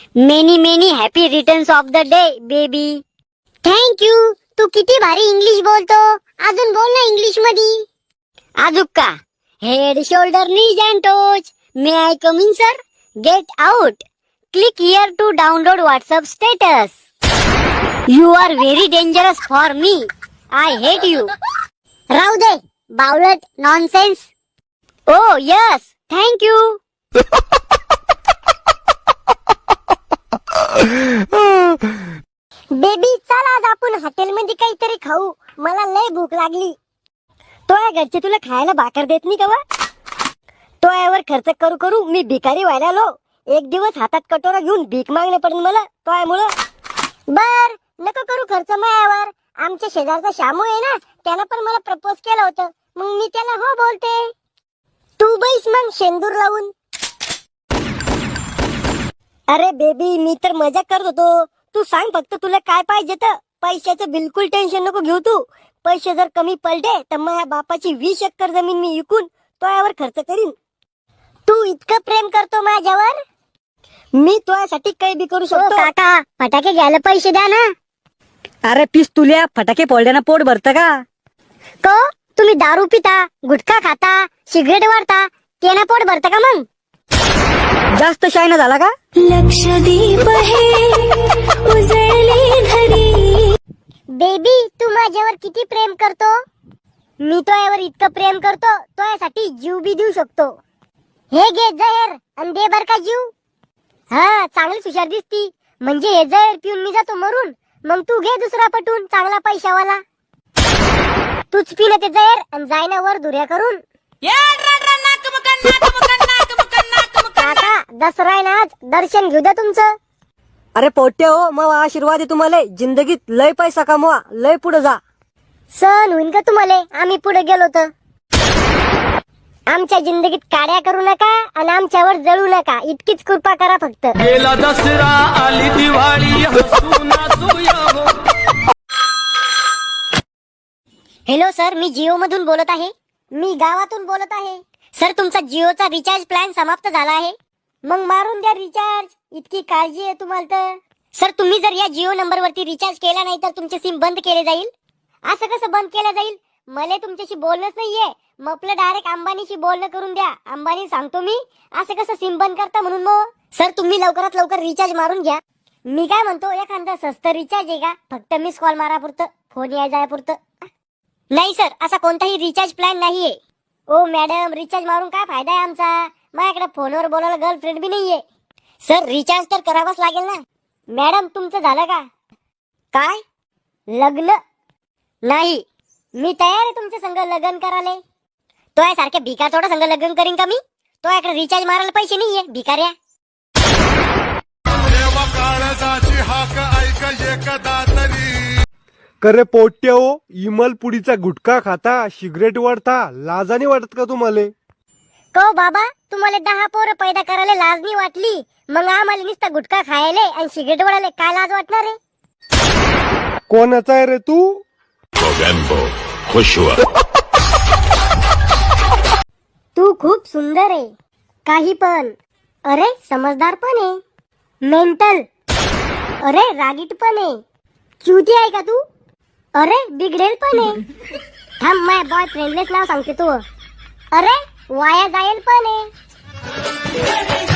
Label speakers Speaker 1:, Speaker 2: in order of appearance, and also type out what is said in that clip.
Speaker 1: Many many happy returns of the day baby. Thank you. तू किती भारी English बोलतो. अजून बोल ना इंग्लिश मध्ये. अजूक का? Head shoulder knees and toes. May I come in sir? Get out. Click here to download WhatsApp status. You are very dangerous for me. I hate you. राहू दे बावळट nonsense. Oh yes thank you. Baby चल आज आपण हॉटेलमध्ये काहीतरी खाऊ. मला लय भूक लागली. तो या घरचे तुला खायला भाकर देत नाही का वा? तो यावर खर्च करू करू मी भिकारी व्हायला आलो. एक दिवस हातात कटोरा घेऊन भीक मागणे पडेल मला तो यामुळं. बर नको करू खर्च मायावर. आमच्या शेजारचा शामू आहे ना, त्यानं पण मला प्रपोज केलं होतं. मग मी त्याला हो बोलते. तू बैस मग शेंदूर लावून. अरे बेबी मी तर मजा करत होतो. तू सांग फक्त तुला काय पाहिजे तर. पैशाचं बिलकुल टेन्शन नको घेऊ तू. पैसे जर कमी पडले तर माझ्या बापाची 20 एकर जमीन मी विकून तो यावर खर्च करीन. तू इतकं प्रेम करतो माझ्यावर. मी तुझ्यासाठी काही बी करू शकतो. काका फटाके घ्यायला पैसे द्या ना.
Speaker 2: अरे पिस तुल्या फटाके फोडल्यानं पोट भरतं का?
Speaker 1: को तुम्ही दारू पिता, गुटखा खाता, सिगरेट वाढता, त्यानं पोट भरतं का मग?
Speaker 2: जास्त शायना झाला का?
Speaker 3: लक्षदीप है उजळली धरी.
Speaker 1: बेबी तू माझ्यावर किती प्रेम करतो. मी तो यावर इतकं प्रेम करतो तो यासाठी जीव बी देऊ शकतो. हे घे जहर आणि दे बर का जीव. हा चांगलीच हुशार दिसती. म्हणजे हे जहर पिऊन मी जातो मरून. मग तू घे दुसरा पटून चांगला पैशावाला. तूच पिलं ते जहर आणि जायना वर धुऱ्या करून. काका दसरा आहे ना आज, दर्शन घेऊ द्या तुमचं.
Speaker 2: अरे पोट्टे हो मग आशीर्वाद आहे तुम्हाला. जिंदगीत लय पैसा कमवा, लय पुढे जा.
Speaker 1: सण होईन का तुम्हाला आम्ही पुढे गेलो तर. आमच्या जिंदगीत काड्या करू नका आणि आमच्यावर जळू नका. इतकीच कृपा करा फक्त.
Speaker 4: गेला दसरा आली दिवाळी हसू नाचूया हो.
Speaker 1: हॅलो सर मी जिओ मधून बोलत आहे. मी गावातून बोलत आहे. सर तुमचा जिओचा रिचार्ज प्लॅन समाप्त झाला आहे. मग मारून द्या रिचार्ज. इतकी काळजी आहे तुम्हाला तर. सर तुम्ही जर या जिओ नंबर वरती रिचार्ज केला नाही तर तुमचे सिम बंद केले जाईल. असं कसं बंद केलं जाईल? मला तुमच्याशी बोलणंच नाहीये. मग आपलं डायरेक्ट अंबानीशी बोलणं करून द्या. अंबानी सांगतो मी. असं कसं सिम बंद करता म्हणून मग. सर तुम्ही लवकरात लवकर रिचार्ज मारून घ्या. मी काय म्हणतो एखादा स्वस्त रिचार्ज आहे का? फक्त मिस कॉल मारा पुरतं, फोन याय जाय पुरतं. नाही सर असा कोणताही रिचार्ज प्लॅन नाहीये. ओ मॅडम रिचार्ज मारून काय फायदा आहे आमचा? माझ्याकडे फोनवर बोलायला गर्लफ्रेंड बी नाहीये. सर रिचार्ज तर करावाच लागेल ना. मॅडम तुमचं झालं का? काय लग्न? नाही मी तयार आहे तुमच्या संग लग्न करायला. तो यासारख्या भिकार थोडा संग लग्न करीन का मी? तो याकडे रिचार्ज मारायला पैसे नाहीये भिकाऱ्या.
Speaker 5: करे पोट्टे हो इमल पुडीचा गुटखा खाता, सिगरेट वाढता, लाजाने वाटत का तुम्हाला?
Speaker 1: को बाबा तुम्हाला 10 पोरं पैदा करायला लाज नाही वाटली. मग आम्हाला नुसता गुटखा खायला आणि सिगरेट वडायला काय लाज वाटणार आहे?
Speaker 5: कोणाचा आहे रे तू?
Speaker 6: खुश हुआ.
Speaker 1: तू खूप सुंदर आहे. काही पण. अरे समजदार पण आहे. मेंटल. अरे रागीट पण आहे. चुती आहे का तू? अरे बिघडेल पण आहे. थांब माझ्या बॉयफ्रेंडलेच नाव सांगते तू. अरे वाया जाईल पण आहे.